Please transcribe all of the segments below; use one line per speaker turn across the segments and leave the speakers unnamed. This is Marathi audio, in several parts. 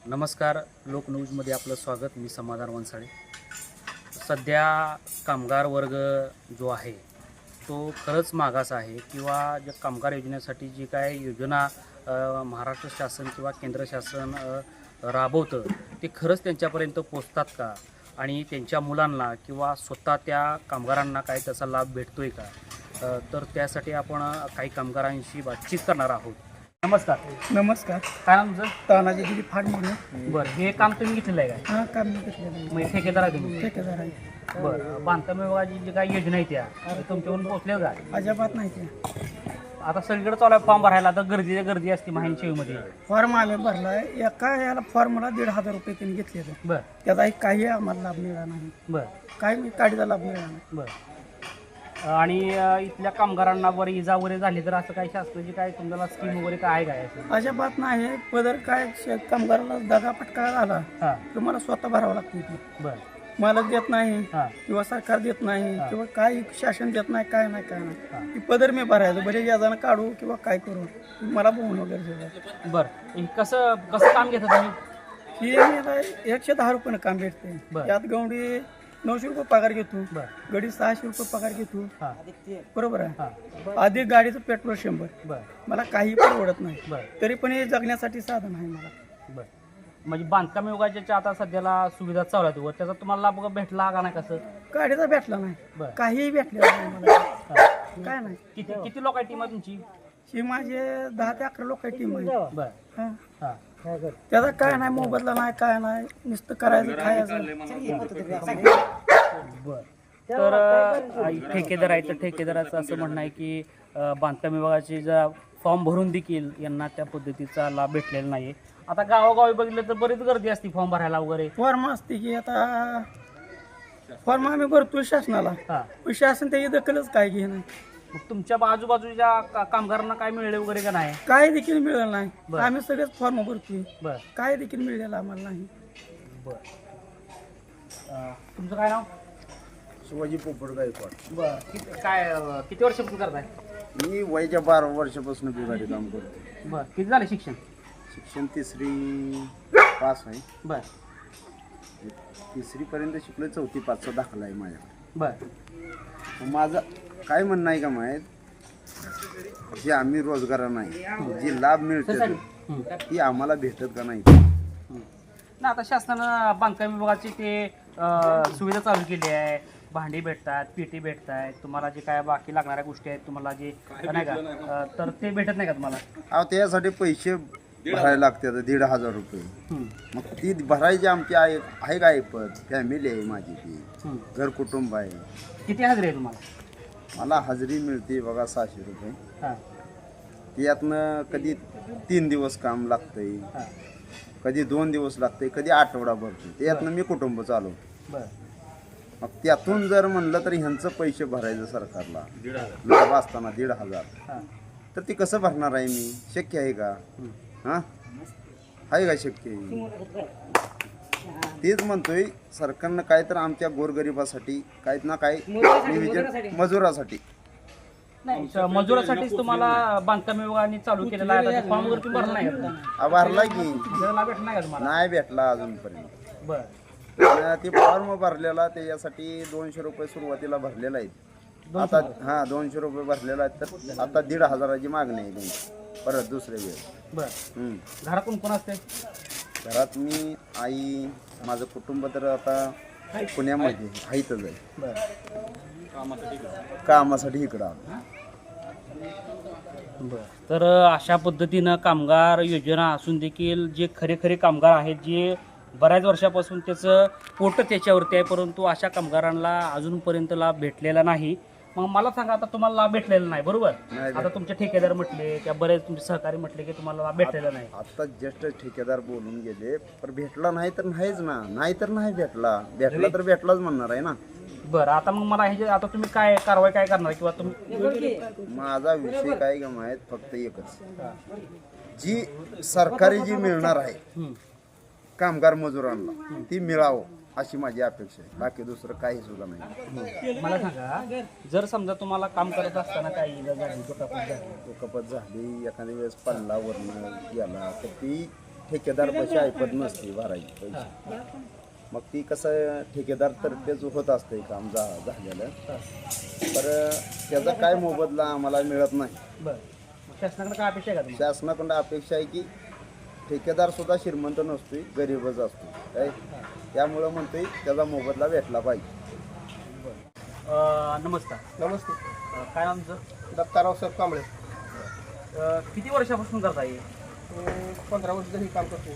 नमस्कार, लोकन्यूजमध्ये आपलं स्वागत. मी समाधान वनसाळे. सध्या कामगार वर्ग जो आहे तो खरंच मागास आहे किंवा ज्या कामगार योजनेसाठी जी काय योजना महाराष्ट्र शासन किंवा केंद्र शासन राबवतं ते खरंच त्यांच्यापर्यंत पोचतात का आणि त्यांच्या मुलांना किंवा स्वतः त्या कामगारांना काय त्याचा लाभ भेटतोय का? तर त्यासाठी आपण काही कामगारांशी बातचीत करणार आहोत. नमस्कार.
नमस्कार.
काय नाम तुमचं?
तानाजी दिली फाड म्हणून.
बरं, हे काम तुम्ही घेतलेलं आहे काय?
हा, काम मी घेतलेलं आहे.
म्हणजे ठेकेदार आहे तुम्ही?
ठेकेदार आहे.
बरं, बांधकाम विभागाची जी काही योजना आहे त्या तुमच्याकडून पोहोचल्या का?
अजिबात नाही ते.
आता सगळीकडे चालू आहे फॉर्म भरायला, तर गर्दी असते माहितीमध्ये.
फॉर्म आम्ही भरलाय. एका याला फॉर्मला 1,500 रुपये त्यांनी घेतले.
बरं
त्याचा काही आम्हाला लाभ मिळाला नाही.
बरं
काही मी काढीचा लाभ मिळाला नाही.
बरं. आणि इथल्या कामगारांना बरं इजा वगैरे झाली तर असं काही शासनाची काय तुम्हाला स्कीम वगैरे काय आहे काय असं?
अजिबात नाही. पदर काय कामगाराला दगा फटका झाला
हां.
तुम्हाला स्वतः भरावं लागते ती.
बरं.
मालक देत नाही
हां.
किंवा सरकार देत नाही
हां.
किंवा काही शासन देत नाही. काय नाही काय
हां.
नाही. ती पदर मी भरायचं. बरे याजानं काढू किंवा काय करू मला बघून वगैरे.
बरं, हे कसं कसं काम घेता तुम्ही?
ही मला 110 रुपयानं काम भेटते.
बरं.
यात गवंडी 900 रुपये पगार घेतो.
बरं.
गडी 600 रुपये पगार घेतो.
हां.
बरोबर आहे.
हां.
अधिक गाडीचं पेट्रोल 100.
बरं.
मला काही परवडत नाही.
बरं.
तरी पण हे जगण्यासाठी साधन आहे मला.
बरं, म्हणजे बांधकाम विभागाच्या आता सध्याला सुविधा चालू आहेत वर त्याचा तुम्हाला लाभ भेटला का नाही कसं?
गाडीचा भेटला नाही.
बरं.
काहीही भेटलेलं नाही मला.
हां.
काय नाही.
किती लोक आहे टीम आहे तुमची?
ही माझे 10 ते 11 लोक टीम आहे.
बरं.
हां.
हां.
त्याचा काय नाही, मोबदला नाही, काय नाही, नुसतं करायचं खायचं.
बर, तर ठेकेदार आहे तर ठेकेदाराचं असं म्हणणं आहे की बांधकाम विभागाचे जर फॉर्म भरून देखील यांना त्या पद्धतीचा लाभ भेटलेला नाही. आता गावोगावी बघितलं तर बरीच गर्दी असते फॉर्म भरायला वगैरे.
फॉर्म असते की आता फॉर्म आम्ही भरतो शासनाला.
हां.
पण शासन त्याची दखलच काय घे नाही.
मग तुमच्या आजूबाजूच्या कामगारांना काय मिळेल वगैरे का नाही?
काय देखील मिळालं नाही.
बरं.
आम्ही सगळेच फॉर्म भरतोय.
बर
काय देखील मिळालं आम्हाला नाही.
बर. तुमचं काय नाव?
शिवाजी पोपट गायकवाड.
बर, किती वर्षापासून करताय?
मी वयाच्या 12 वर्षापासून बिघाडी काम करतो.
बर, किती झाले शिक्षण?
शिक्षण 3री पास आहे.
बर
3री पर्यंत शिकलो. 4थी पासचा दाखला आहे माझ्याकडे.
बर.
माझं काय म्हणणं आहे का माहीत, जे आम्ही रोजगार नाही जे लाभ मिळते ती आम्हाला भेटत का नाही?
ना आता शासनानं बांधकाम विभागाची ते सुविधा चालू केली आहे. भांडी भेटतात, पेटी भेटतात, तुम्हाला जे काय बाकी लागणाऱ्या गोष्टी आहेत तुम्हाला जे नाही का तर ते भेटत नाही का तुम्हाला?
अहो त्यासाठी पैसे भरायला लागतात 1,500 रुपये. मग ती भरायची आमची आहे का ऐपत? फॅमिली आहे माझी, ती घर कुटुंब आहे.
किती हजरी आहे तुम्हाला?
मला हजेरी मिळते बघा 600 रुपये.
हां.
त्यातनं कधी 3 दिवस काम लागतंय,
हां.
कधी 2 दिवस लागतंय, कधी आठवडा भरतो. त्यातनं मी कुटुंब चालवतो.
बरं.
मग त्यातून जर म्हणलं तर ह्यांचं पैसे भरायचं सरकारला लाभ असताना 1,500,
हां.
तर ती कसं भरणार आहे मी? शक्य आहे का? हां, आहे का शक्य? तेच म्हणतोय सरकारनं काय तर आमच्या गोरगरिबासाठी काय ना काय नियोजन, मजुरासाठी.
नाही, मजुरासाठीच तुम्हाला बांधकाम विभागाने चालू केलेला आहे. फॉर्म वगैरे तुम्ही भरला नाही का?
भरला की
लाभ भेटला नाही का तुम्हाला?
नाही भेटला अजूनपर्यंत.
बरं.
ते फॉर्म भरलेला त्याच्यासाठी 200 रुपये सुरुवातीला भरलेला आहे. आता 200 रुपये भरलेला आहे. तर आता 1,500ची मागणी आहे त्यांची परत दुसऱ्या वेळेस.
बरं. घरात कोण कोण असते?
घरात मी, आई, माझं कुटुंब तर आता पुण्यामध्ये आहेतच आहे.
बरं.
कामासाठी इकडं आलो.
बरं, तर अशा पद्धतीनं कामगार योजना असून देखील जे खरे कामगार आहेत जे बऱ्याच वर्षापासून त्याचं पोट त्याच्यावरती आहे, परंतु अशा कामगारांना अजूनपर्यंत लाभ भेटलेला नाही. मग मला सांगा, आता तुम्हाला लाभ भेटलेला नाही बरोबर?
नाही.
आता तुमचे ठेकेदार म्हटले किंवा बरेच तुमचे सहकारी म्हटले की तुम्हाला लाभ भेटलेला नाही.
आता जस्ट ठेकेदार बोलून गेले, पण भेटला नाही तर नाहीच ना. नाही तर नाही भेटला तर भेटलाच म्हणणार आहे ना.
बरं, आता मग मला हे जे आता तुम्ही काय कारवाई काय करणार किंवा तुम्ही?
माझा विषय काय का माहीत, फक्त एकच, जी सरकारी जी मिळणार आहे कामगार मजुरांना ती मिळावं अशी माझी अपेक्षा आहे. बाकी दुसरं काही सुद्धा नाही.
मला सांगा, जर समजा तुम्हाला काम करत असताना काही इजा झाली, दुखापत झाली,
दुखापत झाली, एखाद्या वेळेस पडला वरनं गेला, तर ती ठेकेदार पैसे ऐपत नसते भरायची पैसे. मग ती कसं ठेकेदार तर्फेच होत असते काम झालेलं. तर त्याचा काय मोबदला आम्हाला मिळत नाही.
बरं शासनाकडे काय अपेक्षा आहे का तुम्हाला?
शासनाकडून अपेक्षा आहे की ठेकेदार सुद्धा श्रीमंत नसतोय, गरीबच असतो काय. त्यामुळं म्हणतोय त्याचा मोबदला भेटला पाहिजे.
नमस्कार.
नमस्ते.
काय आमचं
दत्ताराव साहेब कांबळे.
किती वर्षापासून करता येईल?
15 वर्ष ही काम करतो.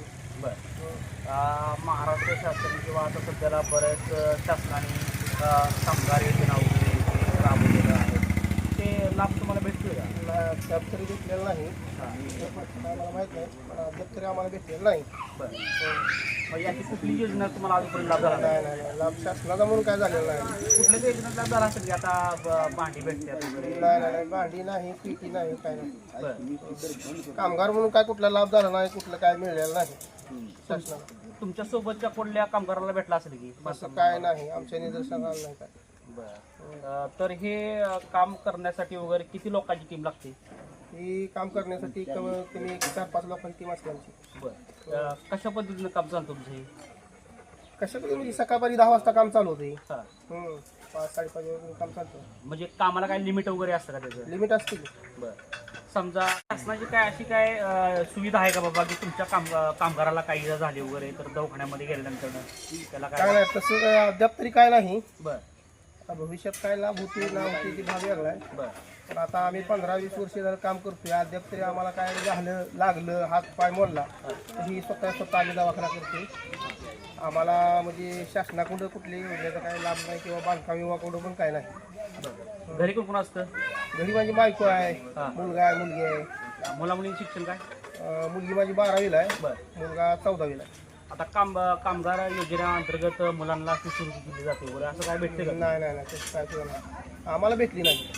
बरं महाराष्ट्र शासन किंवा आता सध्याला बऱ्याच शासनाने कामगार योजना वगैरे जे राबवलेलं आहे ते लाभ तुम्हाला भेटतोय का?
त्यात तरी भेटलेलं नाही. मला माहीत नाही, पण अद्याप तरी आम्हाला भेटलेलं नाही.
बरं मग याची कुठली योजना तुम्हाला अजूनपर्यंत लाभ झाला नाही?
नाही लाभ शासनाचा म्हणून काय झालेलं नाही.
कुठल्याच योजनेत लाभ झाला असेल की आता भांडी भेटतात वगैरे?
नाही भांडी नाही, पिटी नाही, काय नाही.
बरं
कामगार म्हणून काय कुठला लाभ झाला नाही, कुठलं काय मिळालेलं नाही शासनाला.
तुमच्या सोबतच्या कोणत्या कामगाराला भेटला असेल की?
असं काय नाही, आमच्या निदर्शनाला आलं नाही काय.
बरं तर हे काम करण्यासाठी वगैरे किती लोकांची टीम लागते?
ही काम करण्यासाठी कमीत कमी 4-5 लोकांची टीम असते आमची.
बरं कशा पद्धतीनं काम चालतं तुमचं हे?
कशा म्हणजे सकाळी 10 वाजता काम चालू होते.
हा.
5-5:30 वाजता काम चालतं.
म्हणजे कामाला काय लिमिट वगैरे असतं का त्याचं?
लिमिट असते.
बरं समजा शासनाची काय अशी काय सुविधा आहे का बाबा की तुमच्या कामगाराला काही इजा झाली वगैरे तर दवाखान्यामध्ये गेल्यानंतर त्याला
काय
काय?
नाही तसं काय अद्याप तरी काय नाही.
बरं
आता भविष्यात काय लाभ होते ना होते ती भाग वेगळा आहे.
बरं
पण आता आम्ही 15-20 वर्ष झालं काम करतोय, अद्याप तरी आम्हाला काय झालं लागलं हात पाय मोडला तर ही स्वतः आम्ही दवाखाना करतोय. आम्हाला म्हणजे शासनाकडून कुठल्याही योजनेचा काही लाभ नाही किंवा बांधकाम विभागाकडून पण काय नाही.
घरी कोण कोण असतं?
घरी माझी बायको आहे,
हा.
मुलगा आहे, मुलगी आहे.
मुला मुलींचं शिक्षण काय?
मुलगी माझी 12वीला आहे,
बरं
मुलगा 14वीला आहे.
आता कामगार योजनेअंतर्गत मुलांना शिष्यवृत्ती दिली जाते वगैरे असं काय भेटते का?
नाही तसं काय सुद्धा नाही, आम्हाला भेटली नाही.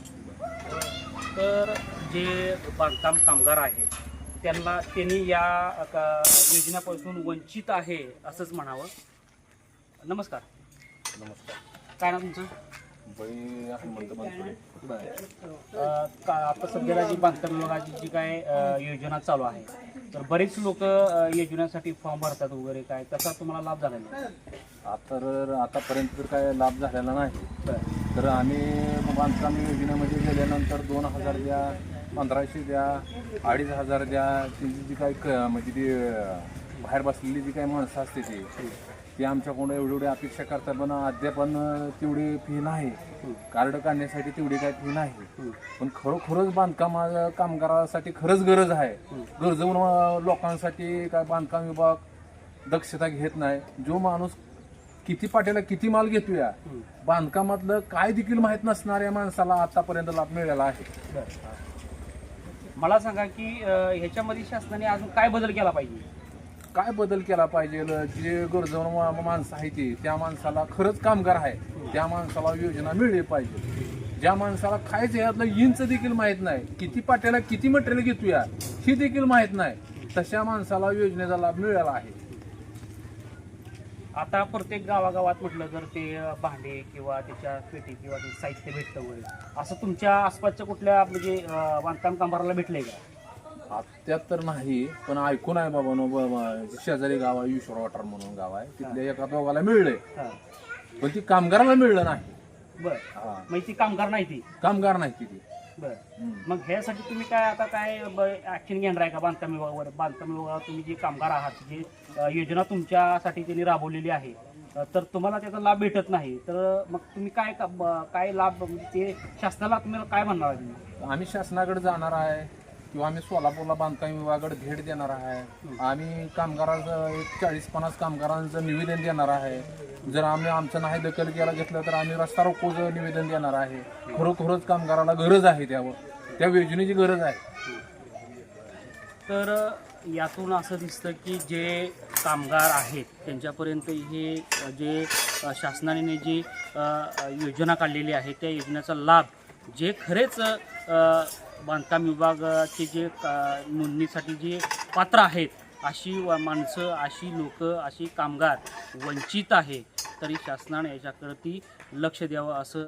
तर जे बांधकाम कामगार आहेत त्यांनी या योजनेपासून वंचित आहे असंच म्हणावं. नमस्कार. काय ना तुमचं? आता सध्याला जी बांधकाम विभागाची जी काय योजना चालू आहे तर बरेच लोक योजनेसाठी फॉर्म भरतात वगैरे काय त्याचा तुम्हाला लाभ झाला नाही?
आतापर्यंत तर काय लाभ झालेला नाही. तर आम्ही बांधकाम योजनेमध्ये गेल्यानंतर 2000 द्या, 1500 द्या, 2500 द्या. त्यांची जी काय म्हणजे ती बाहेर बसलेली जी काही माणसं असते ती आमच्याकडून एवढी अपेक्षा करतात, पण अद्याप तेवढी फी नाही. कार्ड काढण्यासाठी तेवढी काय फी नाही. पण खरोखरच बांधकाम कामगारासाठी खरंच गरज आहे. गरजून लोकांसाठी काय बांधकाम विभाग दक्षता घेत नाही. जो माणूस किती पाट्याला किती माल घेतो या बांधकामातलं काय देखील माहीत नसणाऱ्या माणसाला आतापर्यंत लाभ मिळालेला आहे.
मला सांगा की ह्याच्यामध्ये शासनाने अजून काय बदल केला पाहिजे?
काय बदल केला पाहिजे? जे गरजू माणसं आहे त्या माणसाला खरंच कामगार आहे त्या माणसाला योजना मिळली पाहिजे. ज्या माणसाला खायचं यातलं इंच देखील माहीत नाही, किती पाट्याला किती मटेरियल घेतोया ही देखील माहीत नाही, तशा माणसाला योजनेचा लाभ मिळाला आहे.
आता प्रत्येक गावागावात म्हटलं तर ते भांडे किंवा त्याच्या पेटी किंवा ते साहित्य भेटतं वगैरे असं तुमच्या आसपासच्या कुठल्या म्हणजे बांधकाम कामगाराला भेटलंय का?
त्यात तर नाही, पण ऐकून आहे बाबा. शेजारी गाव आहे ईश्वर वाटार म्हणून गाव आहे, तिथल्या एका दोघाला मिळलंय, पण ती कामगाराला मिळलं नाही.
बरं मग ती कामगार नाही ती
कामगार नाही ती.
बरं मग ह्यासाठी तुम्ही काय आता काय ऍक्शन घेणार आहे का बांधकाम विभागावर? बांधकाम विभागावर तुम्ही जे कामगार आहात जी योजना तुमच्यासाठी त्यांनी राबवलेली आहे तर तुम्हाला त्याचा लाभ भेटत नाही तर मग तुम्ही काय लाभ म्हणजे ते शासनाला तुम्हाला काय म्हणणार आहे तुम्ही?
आम्ही शासनाकडे जाणार आहे किंवा आम्ही सोलापूरला बांधकाम विभागाकडे भेट देणार आहे. आम्ही कामगारांचं एक 40-50 कामगारांचं निवेदन देणार आहे. जर आम्ही आमचं नाही दखल केला घेतलं तर आम्ही रस्ता रोकोचं निवेदन देणार आहे. खरोखरच कामगाराला गरज आहे, त्या योजनेची गरज आहे.
तर यातून असं दिसतं की जे कामगार आहेत त्यांच्यापर्यंत हे जे शासनाने जी योजना काढलेली आहे त्या योजनेचा लाभ जे खरेच बांधकाम विभागाचे जे नोंदणीसाठी जे पात्र आहेत अशी माणसं, अशी लोक, अशी कामगार वंचित आहे, तरी शासनाने याच्याकडे लक्ष द्यावं असं